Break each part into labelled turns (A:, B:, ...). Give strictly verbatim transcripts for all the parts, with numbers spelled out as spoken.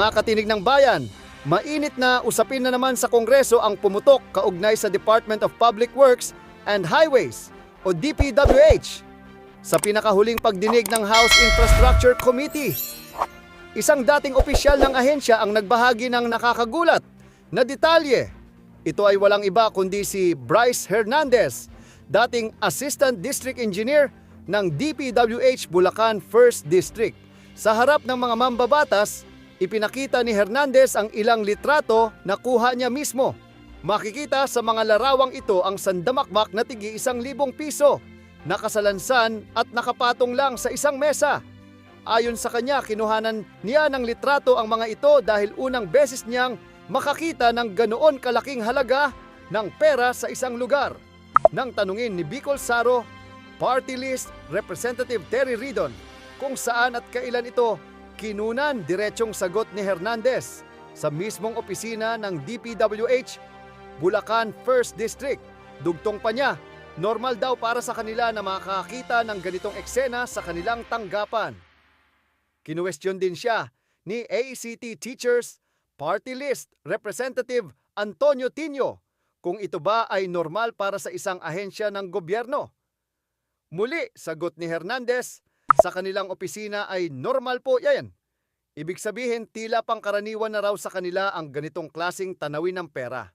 A: Mga katinig ng bayan, mainit na usapin na naman sa Kongreso ang pumutok kaugnay sa Department of Public Works and Highways o D P W H sa pinakahuling pagdinig ng House Infrastructure Committee. Isang dating opisyal ng ahensya ang nagbahagi ng nakakagulat na detalye. Ito ay walang iba kundi si Bryce Hernandez, dating Assistant District Engineer ng D P W H Bulacan First District. Sa harap ng mga mambabatas, ipinakita ni Hernandez ang ilang litrato na kuha niya mismo. Makikita sa mga larawang ito ang sandamakmak na tigi isang libong piso, nakasalansan at nakapatong lang sa isang mesa. Ayon sa kanya, kinuhanan niya ng litrato ang mga ito dahil unang beses niyang makakita ng ganoon kalaking halaga ng pera sa isang lugar. Nang tanungin ni Bicol Saro Party List Representative Terry Ridon kung saan at kailan ito kinunan, diretsong sagot ni Hernandez sa mismong opisina ng D P W H Bulacan First District. Dugtong pa niya, normal daw para sa kanila na makakita ng ganitong eksena sa kanilang tanggapan. Kinuwestiyon din siya ni A C T Teachers Party List Representative Antonio Tino kung ito ba ay normal para sa isang ahensya ng gobyerno. Muli, sagot ni Hernandez, sa kanilang opisina ay normal po yan. Ibig sabihin, tila pangkaraniwan na raw sa kanila ang ganitong klasing tanawin ng pera.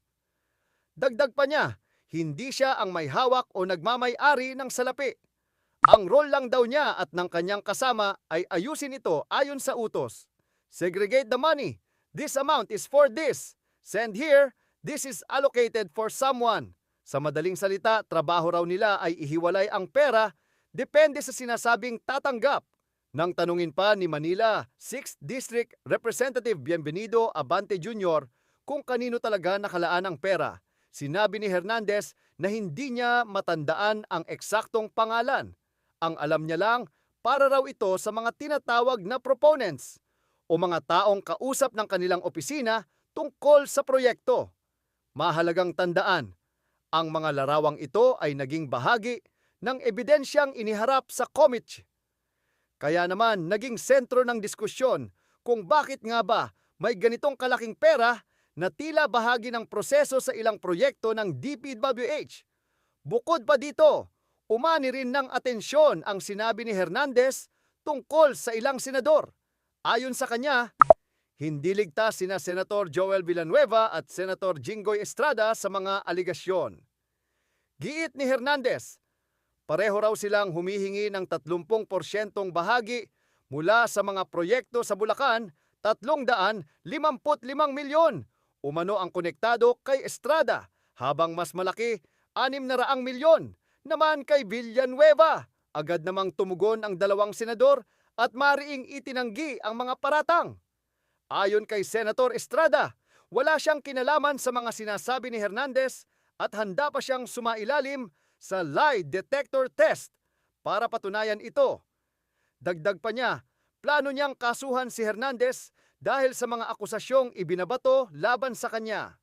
A: Dagdag pa niya, hindi siya ang may hawak o nagmamay-ari ng salapi. Ang role lang daw niya at ng kanyang kasama ay ayusin ito ayon sa utos. Segregate the money. This amount is for this. Send here. This is allocated for someone. Sa madaling salita, trabaho raw nila ay ihiwalay ang pera depende sa sinasabing tatanggap. Nang tanungin pa ni Manila sixth District Representative Bienvenido Abante Junior kung kanino talaga nakalaan ang pera, sinabi ni Hernandez na hindi niya matandaan ang eksaktong pangalan. Ang alam niya lang, para raw ito sa mga tinatawag na proponents o mga taong kausap ng kanilang opisina tungkol sa proyekto. Mahalagang tandaan, ang mga larawang ito ay naging bahagi ng ebidensyang iniharap sa committee. Kaya naman naging sentro ng diskusyon kung bakit nga ba may ganitong kalaking pera na tila bahagi ng proseso sa ilang proyekto ng D P W H. Bukod pa dito, umani rin ng atensyon ang sinabi ni Hernandez tungkol sa ilang senador. Ayon sa kanya, hindi ligtas sina Senator Joel Villanueva at Senator Jinggoy Estrada sa mga aligasyon. Giit ni Hernandez, pareho raw silang humihingi ng tatlumpung porsyentong bahagi mula sa mga proyekto sa Bulacan, tatlong daan limampu't limang milyon. Umano ang konektado kay Estrada, habang mas malaki, anim na raang milyon naman kay Villanueva. Agad namang tumugon ang dalawang senador at mariing itinanggi ang mga paratang. Ayon kay Senator Estrada, wala siyang kinalaman sa mga sinasabi ni Hernandez at handa pa siyang sumailalim sa lie detector test para patunayan ito. Dagdag pa niya, plano niyang kasuhan si Hernandez dahil sa mga akusasyong ibinabato laban sa kanya.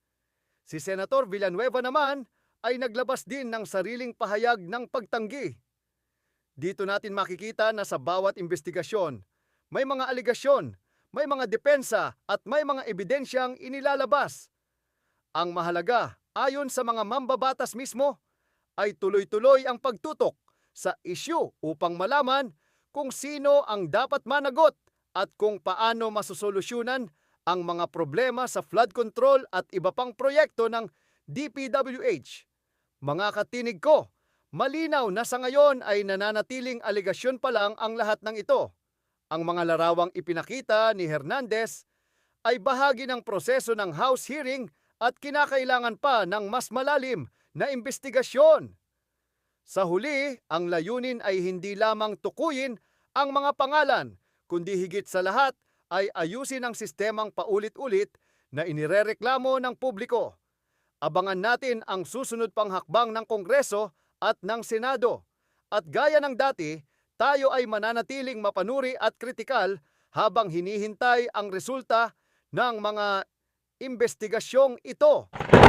A: Si Senator Villanueva naman ay naglabas din ng sariling pahayag ng pagtanggi. Dito natin makikita na sa bawat investigasyon, may mga aligasyon, may mga depensa at may mga ebidensyang inilalabas. Ang mahalaga, ayon sa mga mambabatas mismo, ay tuloy-tuloy ang pagtutok sa isyu upang malaman kung sino ang dapat managot at kung paano masosolusyunan ang mga problema sa flood control at iba pang proyekto ng D P W H. Mga katinig ko, malinaw na sa ngayon ay nananatiling aligasyon pa lang ang lahat ng ito. Ang mga larawang ipinakita ni Hernandez ay bahagi ng proseso ng House hearing at kinakailangan pa ng mas malalim na investigasyon. Sa huli, ang layunin ay hindi lamang tukuyin ang mga pangalan, kundi higit sa lahat ay ayusin ang sistemang paulit-ulit na inirereklamo ng publiko. Abangan natin ang susunod pang hakbang ng Kongreso at ng Senado. At gaya ng dati, tayo ay mananatiling mapanuri at kritikal habang hinihintay ang resulta ng mga investigasyong ito.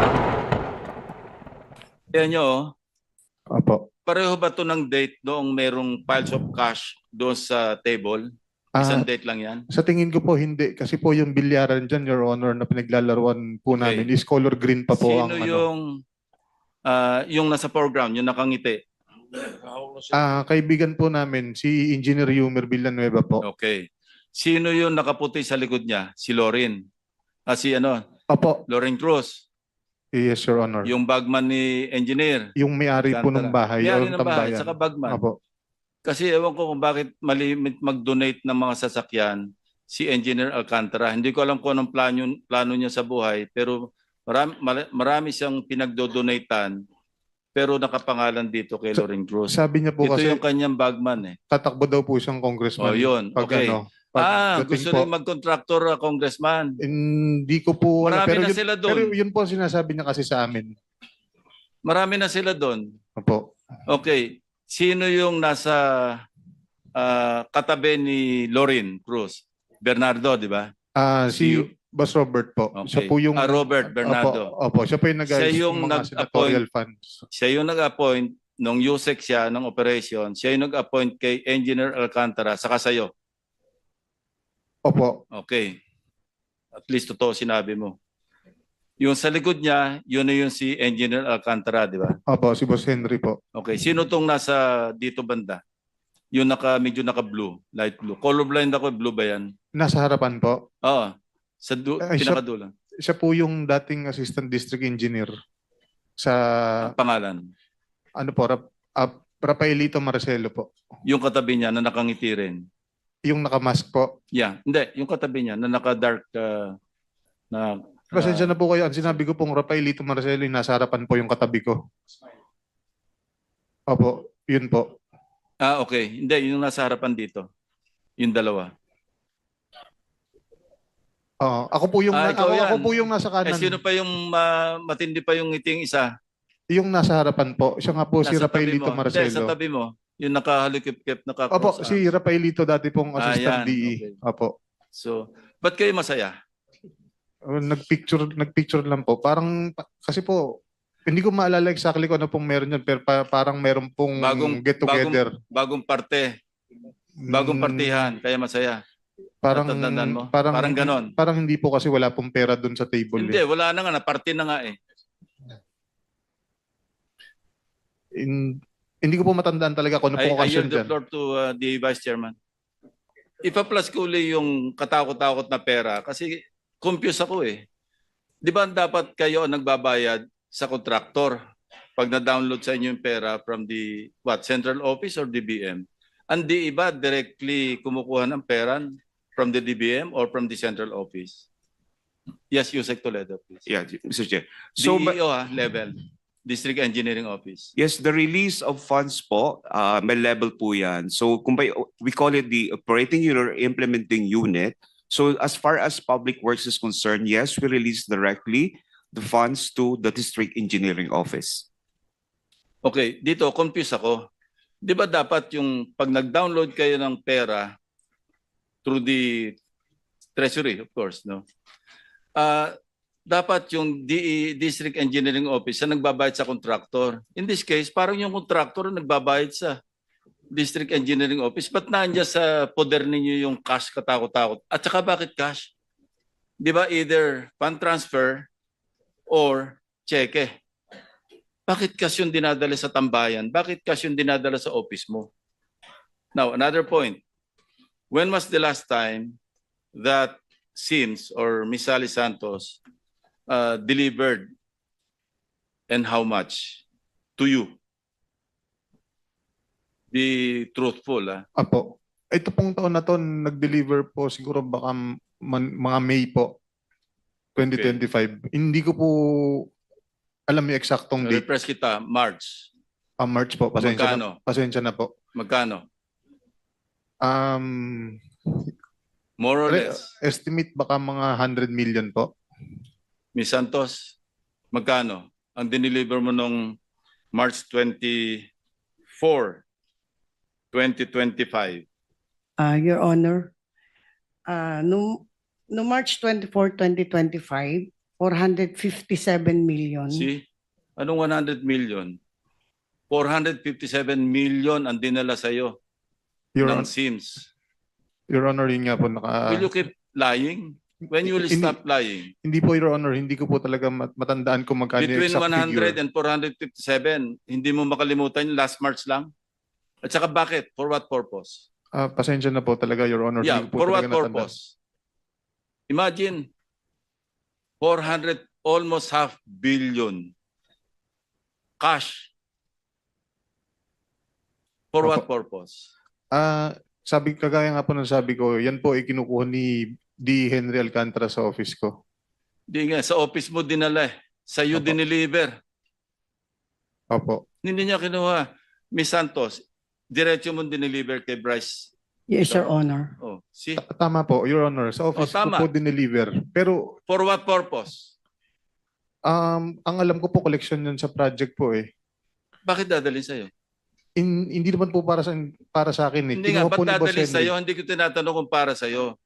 B: Yan nyo,
C: Opo.
B: pareho ba to ng date noong merong piles of cash doon sa table? Isang
C: Ah,
B: date lang yan?
C: sa tingin ko po hindi kasi po yung bilyaran dyan, Your Honor, na pinaglalaruan po
B: Okay.
C: namin is color green pa po
B: Sino
C: ang ano.
B: yung, ah, yung nasa foreground, yung nakangiti?
C: Ah, kaibigan po namin si Engineer Yumer Villanueva po.
B: Okay. Sino yung nakaputi sa likod niya? Si Lorin. Ah, si ano?
C: Opo,
B: Lorin Cruz.
C: yes, Your Honor. Yung,
B: Yung bagman ni engineer.
C: may-ari po ng
B: Alcantara.
C: bahay
B: May-ari
C: o
B: ng bahay,
C: tambayan.
B: saka bagman.
C: Opo.
B: Kasi ewan ko kung bakit malimit mag-donate ng mga sasakyan si Engineer Alcantara. Hindi ko alam kung anong plano, plano niya sa buhay, pero marami, mara- marami siyang pinagdodonatean, pero nakapangalan dito kay
C: Sa-
B: Lorin Cruz.
C: Sabi niya po
B: Ito
C: kasi
B: yung kanyang bagman eh.
C: tatakbo daw po siyang congressman.
B: Oh, yun.
C: Pag
B: Okay.
C: ano, pag
B: Ah,
C: dating
B: gusto
C: po.
B: rin mag-contractor, uh, congressman.
C: Hindi ko po alam.
B: Marami
C: Pero
B: na
C: yun,
B: sila doon.
C: pero yun po ang sinasabi niya kasi sa amin.
B: Marami na sila doon.
C: Opo.
B: Okay. Sino yung nasa ah, katabi ni Lorin Cruz? Bernardo, di ba?
C: Ah,
B: Si-
C: si Boss Robert po.
B: Okay.
C: Siya po yung
B: Ah, Robert Bernardo.
C: Opo, opo, siya po yung nag
B: Siya yung
C: ng mga
B: nag-appoint.
C: senatorial funds.
B: Siya yung nag-appoint nung U S E C siya ng operation. Siya yung nag-appoint kay Engineer Alcantara saka sa'yo.
C: Opo.
B: Okay. At least totoo sinabi mo. Yung sa likod niya, yun na yung si Engineer Alcantara, di ba?
C: Opo, si Boss Henry po.
B: Okay. Sino tong nasa dito banda? Yung naka, medyo naka-blue, light blue. Colorblind ako, blue ba yan?
C: Nasa harapan po.
B: Oo. Sa du-
C: Ay, siya-
B: pinakadulo.
C: Siya po yung dating assistant district engineer sa
B: Ang pangalan.
C: ano po, Rap, uh, Rafaelito Marcelo po.
B: Yung katabi niya na nakangiti rin.
C: Yung nakamask po.
B: Yeah. Hindi. Yung katabi niya na naka-dark uh, na...
C: Pasensya na po kayo. Ang sinabi ko pong Rafaelito Marcelo, yung nasa harapan po yung katabi ko. Opo, yun po.
B: Ah, okay. Hindi. Yung nasa harapan dito. Yung dalawa.
C: Oo, ako po yung
B: Ah,
C: na-
B: ikaw
C: ako,
B: yan.
C: ako po yung nasa
B: Eh,
C: kanan.
B: sino pa yung ma- matindi pa yung ngiting isa?
C: Yung nasa harapan po. Siya nga po si
B: Nasa tabi
C: Rafaelito
B: mo. Hindi, sa
C: Marcelo.
B: tabi mo. Yung nakahalikip-kip,
C: Opo,
B: naka-cross.
C: si Rafaelito dati pong
B: Ah,
C: assistant
B: yan.
C: D E.
B: Okay.
C: Opo.
B: So, ba't kayo masaya?
C: Uh, Nagpicture, nagpicture lang po. Parang, pa- kasi po, hindi ko maalala exactly kung ano pong meron yun, pero pa- parang meron pong
B: Bagong-
C: get together.
B: Bagong parte. Bagong partihan. Kaya masaya.
C: Parang,
B: Natatandaan mo?
C: parang,
B: Parang ganon.
C: Parang hindi po kasi wala pong pera dun sa table.
B: Hindi,
C: eh.
B: wala na nga. Naparte na nga eh.
C: In- hindi ko po matandaan talaga kung ano
B: I,
C: po
B: I
C: occasion
B: yield the
C: dyan.
B: floor to uh, the Vice Chairman. Ipa-plus ko uli yung katakot-takot na pera kasi confused ako eh. Di ba dapat kayo ang nagbabayad sa kontraktor pag na-download sa inyo yung pera from the what central office or D B M? Ang di iba directly kumukuha ng pera from the D B M or from the central office? Yes, Yusek Toledo, please.
D: Yeah, Mister Chair. So,
B: D
D: but,
B: E O ha, level. District Engineering Office.
D: yes, the release of funds po, uh, may level po yan. So, kung by, we call it the operating unit or implementing unit. So, as far as public works is concerned, yes, we release directly the funds to the District Engineering Office.
B: Okay, dito confused ako. 'Di ba dapat yung pag nag-download kayo ng pera through the treasury, of course, no? Ah, dapat yung D E, District Engineering Office ang nagbabayad sa contractor. In this case, parang yung contractor ang nagbabayad sa District Engineering Office. Ba't nandiyan sa poder ninyo yung cash katakot-takot? At saka bakit cash? 'Di ba either fund transfer or cheque? Bakit cash yung dinadala sa tambayan? Bakit cash yung dinadala sa office mo? Now, another point. When was the last time that Sims or Miss Sally Santos uh, delivered and how much to you? Be truthful. Ah.
C: Apo. Ito pong taon na to, nag-deliver po siguro baka man- mga May po, twenty twenty-five. Hindi ko po alam yung eksaktong date.
B: Repress kita, March.
C: Ah, March po. Pasensya
B: Magkano?
C: na, pasensya na po.
B: Magkano?
C: Um,
B: More or
C: re-
B: less.
C: estimate baka mga one hundred million po.
B: Miss Santos, magkano ang dineliver mo nung March twenty-four, twenty twenty-five?
E: Ah, Your Honor, ah no, no March twenty-fourth, twenty twenty-five, four hundred fifty-seven million.
B: See? Anong one hundred million? four hundred fifty-seven million ang dinala sa'yo
C: Your,
B: ng
C: Hon-
B: Sims.
C: Your Honor, yun nga po naka...
B: Will you keep lying? When you will
C: Hindi-
B: stop lying?
C: Hindi po, Your Honor, hindi ko po talaga mat- matandaan kung magkano yung
B: Between
C: exact
B: one hundred
C: figure.
B: and four hundred fifty-seven, hindi mo makalimutan yung last March lang? At saka bakit? For what purpose?
C: Ah, pasensya na po talaga, Your Honor.
B: Yeah,
C: Hindi ko po
B: for what
C: talaga natandaan.
B: purpose? Imagine, four hundred, almost half billion cash. For what purpose?
C: Ah, sabi, kagaya nga po ng sabi ko, yan po ay kinukuha ni D. Henry Alcantara sa office ko.
B: Di nga, sa office mo dinala eh. Sa iyo
C: Opo.
B: dineliver.
C: Opo.
B: Hindi niya kinuha. Miss Santos, diretso mo dineliver kay Bryce.
E: Yes, Your Honor.
B: Oh, see?
C: Ta- Tama po, Your Honor. Sa office
B: Oh, tama.
C: ko po dineliver. Pero
B: For what purpose?
C: um, ang alam ko po, collection yun sa project po eh.
B: Bakit dadalhin sa'yo?
C: In, hindi naman po para sa para sa akin eh.
B: Hindi nga,
C: Kinuha po
B: ba't
C: ni Boss
B: dadalhin
C: Henry.
B: sa'yo? Hindi ko tinatanong kung para sa'yo.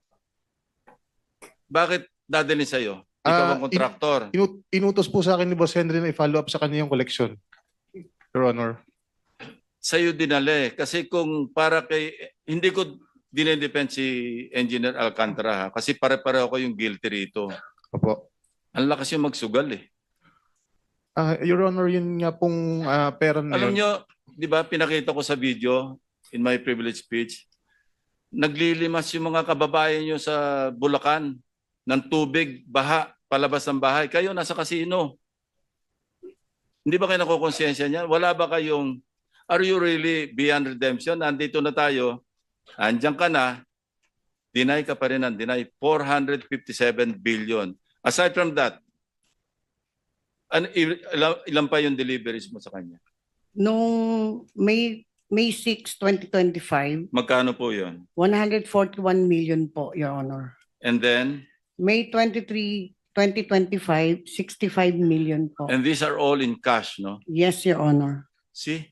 B: Bakit dadalhin sa'yo? Ikaw
C: Ah,
B: ang kontraktor.
C: Inu- inutos po sa akin ni Boss Henry na i-follow up sa kanya yung collection. Your Honor.
B: Sa'yo dinali. Kasi kung para kay... Hindi ko dinedepend si Engineer Alcantara ha? Kasi pare-pareho ko yung guilty rito.
C: Opo.
B: Ang lakas yung magsugal eh.
C: Ah, Your Honor, yun nga pong ah, pera na
B: Alam
C: yun.
B: nyo, di ba, pinakita ko sa video in my privilege speech, naglilimas yung mga kababayan nyo sa Bulacan ng tubig, baha, palabas ng bahay. Kayo nasa kasino. Hindi ba kayo nakukonsensya niyan? Wala ba kayong, are you really beyond redemption? Nandito na tayo, andyan ka na, deny ka pa rin ng deny, four hundred fifty-seven billion. Aside from that, an, ilan, ilan pa yung deliveries mo sa kanya?
E: Noong May May sixth, twenty twenty-five,
B: Magkano po yun?
E: one hundred forty-one million po, Your Honor.
B: And then,
E: May twenty-third, twenty twenty-five, sixty-five million po.
B: and these are all in cash, no?
E: Yes, Your Honor.
B: See?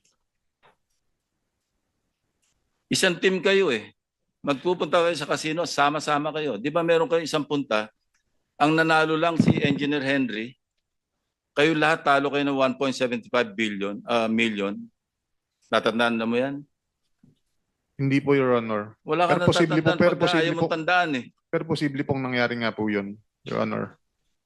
B: Isang team kayo eh. Magpupunta kayo sa casino, sama-sama kayo. Di ba meron kayo isang punta, ang nanalo lang si Engineer Henry, kayo lahat talo kayo ng one point seven five billion, uh, million. Natatandaan na mo yan?
C: Hindi po, Your Honor.
B: Wala ka
C: Pero
B: na
C: posible po,
B: tatandaan
C: pero
B: pagka
C: posible
B: ayaw mong
C: po.
B: tandaan eh.
C: Pero posible pong nangyari nga po yun, Your Honor.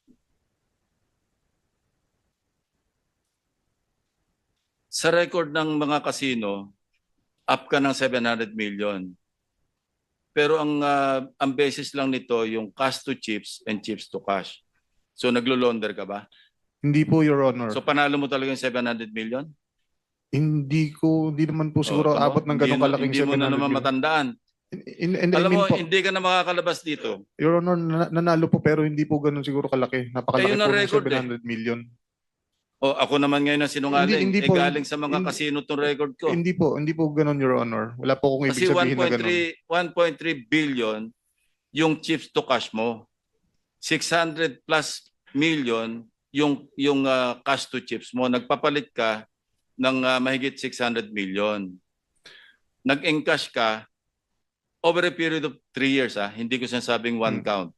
B: Sa record ng mga casino, up ka ng seven hundred million. Pero ang ah, ang basis lang nito yung cash to chips and chips to cash. So naglo-launder ka ba?
C: Hindi po, Your Honor.
B: So panalo mo talaga yung seven hundred million?
C: hindi ko, hindi naman po
B: Oh,
C: siguro
B: tama.
C: abot ng
B: Hindi
C: ganong
B: mo-
C: kalaking
B: Hindi mo na naman
C: seven hundred million.
B: matandaan.
C: In, in,
B: Alam
C: I mean
B: mo,
C: po,
B: hindi ka na makakalabas dito.
C: Your Honor, na- nanalo po pero hindi po ganun siguro kalaki.
B: Eh,
C: Napakalaki
B: yun ang
C: po ng
B: record
C: seven hundred million.
B: O ako naman ngayon ang sinungaling.
C: Hindi- hindi
B: eh,
C: po.
B: galing sa mga
C: Hindi-
B: casino tong record ko.
C: Hindi po, hindi po ganun, Your Honor. Wala po akong
B: Kasi
C: ibig
B: one
C: sabihin na
B: point
C: ganun.
B: three one point three billion yung chips to cash mo. six hundred plus million yung yung ah, cash to chips mo. Nagpapalit ka ng ah, mahigit six hundred million. Nag-encash ka over a period of three years. Ah. Hindi ko sinasabing one
C: Hmm.
B: count.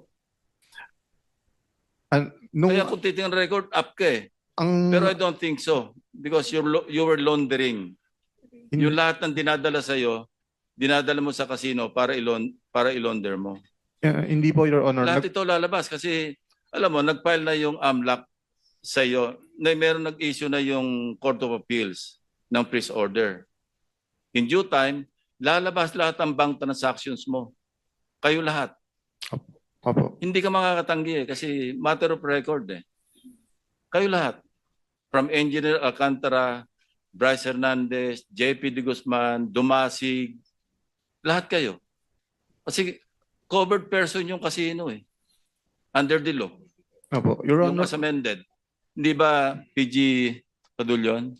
C: An- nung,
B: Kaya kung titingnan record, up ka eh.
C: ang,
B: Pero I don't think so. Because you're, lo- you were laundering.
C: Hindi-
B: Yung lahat ng dinadala sa'yo, dinadala mo sa casino para ilon para ilonder mo.
C: eh, hindi po, Your Honor.
B: Lahat
C: Nag-
B: ito lalabas kasi alam mo, nag-file na yung AMLAC sa iyo. Na meron nag-issue na yung Court of Appeals ng freeze order. In due time, lalabas lahat ang bank transactions mo. Kayo lahat.
C: Opo.
B: Hindi ka makakatanggi eh, kasi matter of record eh. Kayo lahat. From Engineer Alcantara, Bryce Hernandez, J P De Guzman, Dumasig, lahat kayo. Kasi covered person yung casino eh. Under the law.
C: Opo. Your
B: Yung
C: Honor,
B: as amended. Hindi ba P G Padulyon?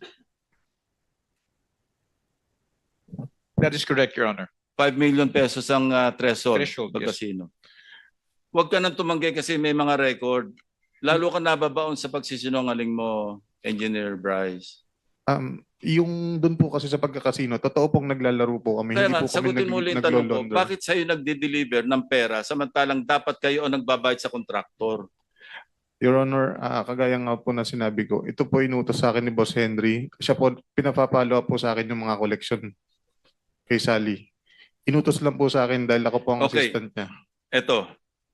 F: That is correct, Your Honor.
B: five million pesos ang uh, threshold,
F: Threshold,
B: pag
F: yes.
B: casino. Huwag ka nang tumanggi kasi may mga record. Lalo ka nababaon sa pagsisinungaling mo, Engineer Bryce.
C: um, yung doon po kasi sa pagkakasino, totoo pong naglalaro po kami.
B: Kaya
C: hindi
B: nga,
C: po kami
B: sagutin
C: nag,
B: mo ulit yung tanong ko,
C: naglo-launder.
B: bakit sa'yo nagde-deliver ng pera samantalang dapat kayo ang nagbabayad sa kontraktor?
C: Your Honor, ah, kagaya nga po na sinabi ko, ito po inutos sa akin ni Boss Henry. Siya po, pinapapalo up po sa akin yung mga collection kay Sally. Inutos lang po sa akin dahil ako po ang
B: Okay.
C: assistant niya.
B: Ito.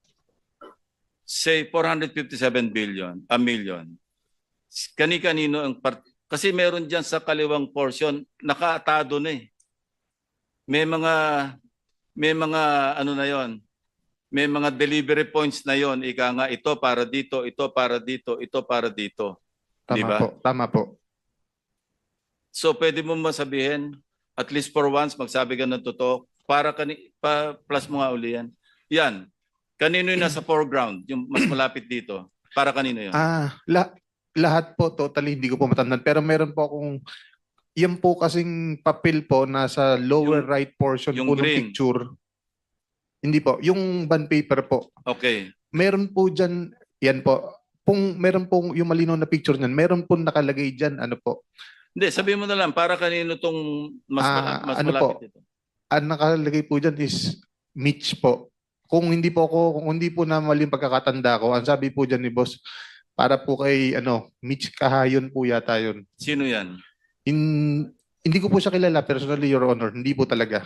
B: Say four hundred fifty-seven billion, a million. Kani-kanino ang part kasi meron diyan sa kaliwang portion nakaatado na eh. May mga may mga ano na 'yon. May mga delivery points na 'yon. Ika nga ito para dito, ito para dito, ito para dito.
C: Tama
B: Di ba?
C: po, tama po.
B: So pwede mo masabihin at least for once magsabi ka ng totoo para kani pa, plus mo nga uli yan. Yan. Kanino yung nasa foreground, yung mas malapit dito? Para kanino yun?
C: Ah, la- lahat po totally hindi ko po matandaan pero meron po akong yan po kasing papel po nasa lower
B: Yung-
C: right portion
B: yung
C: po ng
B: green.
C: picture. Hindi po, yung bond paper po.
B: Okay.
C: Meron po diyan, yan po. Kung meron pong yung malinaw na picture niyan, meron po nakalagay diyan ano po.
B: Hindi, sabihin mo na lang, para kanino tong mas,
C: Ah,
B: mala- mas
C: ano
B: malapit
C: po?
B: dito?
C: Ang nakalagay po diyan is Mitch po. Kung hindi po ako, kung hindi po na mali yung pagkakatanda ko, ang sabi po diyan ni boss, para po kay ano, Mitch Kahayon po yata yun.
B: Sino yan?
C: In, hindi ko po siya kilala personally, Your Honor. Hindi po talaga.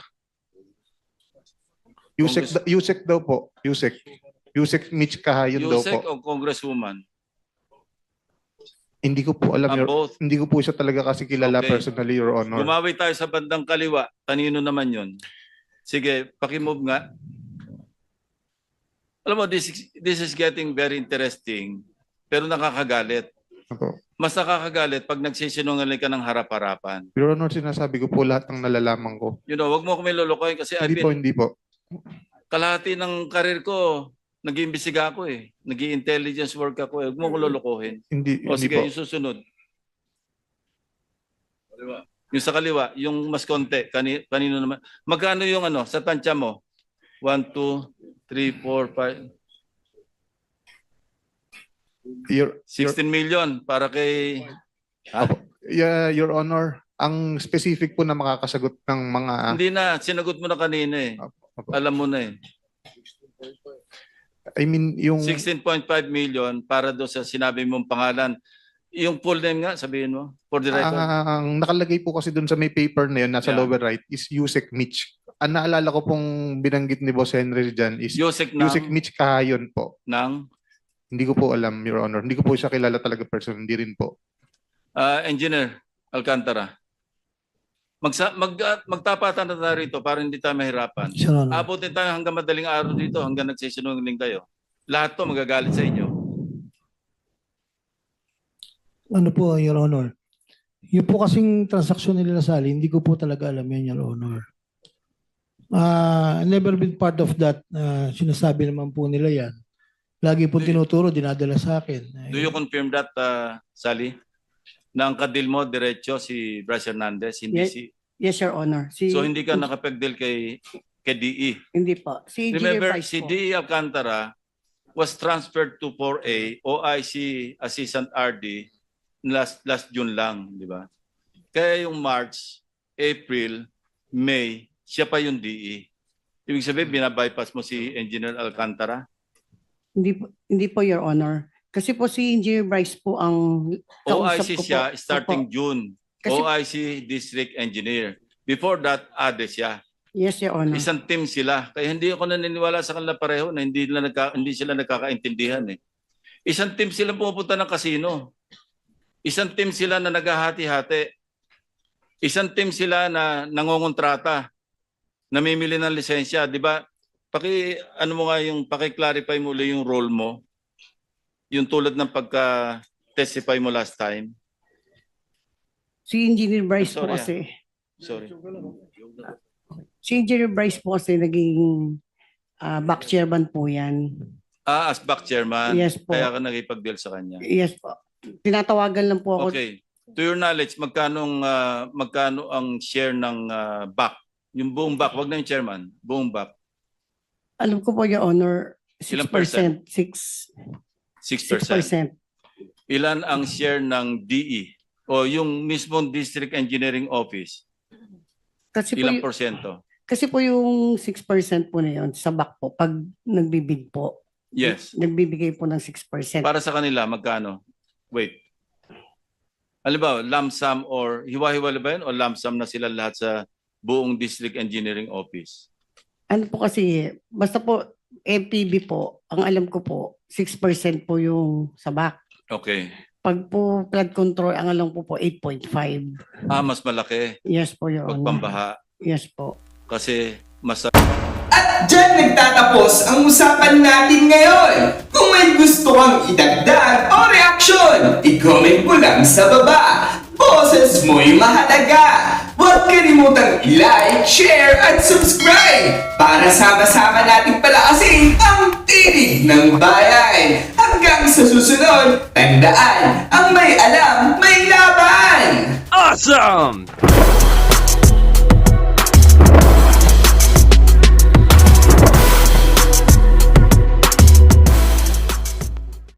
C: Yusek,
B: Congress-
C: Yusek daw po. Yusek. Yusek Mitch Kahayon daw
B: Yusek
C: po.
B: o Congresswoman?
C: Hindi ko po alam,
B: Ang
C: Your,
B: both.
C: hindi ko po siya talaga kasi kilala
B: Okay.
C: personally, Your Honor.
B: Gumawi tayo sa bandang kaliwa. Kanino naman yun? Sige, pakimove nga. Alam mo, this, is- this is getting very interesting, pero nakakagalit.
C: Opo.
B: Mas nakakagalit pag nagsisinungaling ka ng harap-harapan.
C: Your Honor, sinasabi ko po lahat ng nalalaman ko.
B: You know, wag mo kami lulukoy kasi I've
C: Hindi po,
B: been,
C: hindi po.
B: kalahati ng karir ko, nag-iimbestiga ako eh. Nag-i-intelligence work ako eh. Huwag mo ko lulukohin.
C: Hindi,
B: O
C: hindi
B: sige,
C: po.
B: yung susunod. Yung sa kaliwa, yung mas konti, kani, kanino naman. Magkano yung ano, sa tansya mo? One, two, three, four, five,
C: Your, your,
B: sixteen million para kay... Ha?
C: yeah, Your Honor, ang specific po na makakasagot ng mga...
B: Hindi na, sinagot mo na kanina eh.
C: Opo.
B: Alam mo na eh.
C: I mean, yung...
B: sixteen point five million para do sa sinabi mong pangalan. Yung full name nga, sabihin mo, for the record.
C: Ang nakalagay po kasi doon sa may paper na yun, nasa
B: Yeah.
C: lower right, is Yusek Mitch. Ang naalala ko pong binanggit ni Boss Henry dyan is
B: Yusek ng,
C: Yusek Mitch Kahayon po.
B: ng
C: Hindi ko po alam, Your Honor. Hindi ko po siya kilala talaga person. Hindi rin po.
B: ah, Engineer Alcantara. Magsa, mag, ah, magtapatan na tayo rito para hindi tayo mahirapan.
G: Your Honor.
B: Abutin tayo hanggang madaling araw dito, hanggang nagsisinungaling kayo. Lahat to magagalit sa inyo.
G: Ano po, Your Honor? Yung po kasing transaksyon nila Sally, hindi ko po talaga alam yan, Your Honor. Ah, never been part of that. Ah, sinasabi naman po nila yan. Lagi po
B: Do you-
G: tinuturo, dinadala sa akin.
B: Do you confirm that, uh, Sally? Na ang kadil mo, diretso si Bryce Hernandez, hindi
E: Yes.
B: si...
E: Yes, Your Honor. Si,
B: So hindi ka nakapagdil kay, kay D E.
E: Hindi po. Si Engineer
B: Remember,
E: Bryce
B: si
E: po.
B: D E Alcantara was transferred to four A, O I C Assistant R D, last last June lang, di ba? Kaya yung March, April, May, siya pa yung D E. Ibig sabihin, binabypass mo si Engineer Alcantara?
E: Hindi po, hindi po, Your Honor. Kasi po si Engineer Bryce po ang
B: O I
E: kausap
B: C
E: ko po.
B: siya starting
E: Opo.
B: June.
E: Kasi-
B: O I C District Engineer. Before that, A D E siya.
E: Yes, Your Honor.
B: Isang team sila. Kaya hindi ako naniniwala sa kanila pareho na hindi, nila nagka, hindi sila nagkakaintindihan eh. Isang team sila pupunta ng kasino. Isang team sila na naghahati-hati. Isang team sila na nangongontrata. Namimili ng lisensya, di ba? Paki ano mo nga yung paki-clarify mo ulit yung role mo. Yung tulad ng pagka-testify mo last time.
E: Si Engineer Bryce
B: Sorry,
E: po
B: ah.
E: kasi.
B: Sorry.
E: Si Engineer Bryce po kasi naging ah, back chairman po yan.
B: Ah, as back chairman.
E: Yes po.
B: Kaya ka nagipag-deal sa kanya.
E: Yes po. Tinatawagan lang po ako.
B: Okay. To your knowledge, magkano uh, magkano ang share ng uh, back? Yung buong back, wag na yung chairman, buong back,
E: Alam ko po, Your Honor,
B: Ilang
E: six percent. six
B: six
E: six
B: percent.
E: percent.
B: Ilan ang share ng D E o yung mismong District Engineering Office?
E: Kasi po,
B: Ilang
E: y-
B: porsyento?
E: kasi po yung six percent po na yun sa back po, pag nagbibid po,
B: Yes.
E: nagbibigay po ng six percent.
B: Para sa kanila, magkano? Wait. Halimbawa, lump sum or hiwa-hiwala ba yun o lump sum na sila lahat sa buong District Engineering Office?
E: Ano po kasi, basta po M P B po, ang alam ko po, six percent po yung sabak.
B: Okay.
E: Pag po flood control, ang alam ko po eight point five.
B: Ah, mas malaki
E: Yes po, Your
B: pag
E: Honor.
B: pambaha
E: Yes po.
B: kasi mas
H: At dyan nagtatapos ang usapan natin ngayon. Kung may gusto kang idagdag o reaksyon, i-comment mo lang sa baba. Boses mo'y mahalaga. Huwag kalimutang i-like, share, at subscribe para sama-sama nating palakasin ang tinig ng bayan. Hanggang sa susunod, tandaan, ang may alam, may laban!
I: Awesome!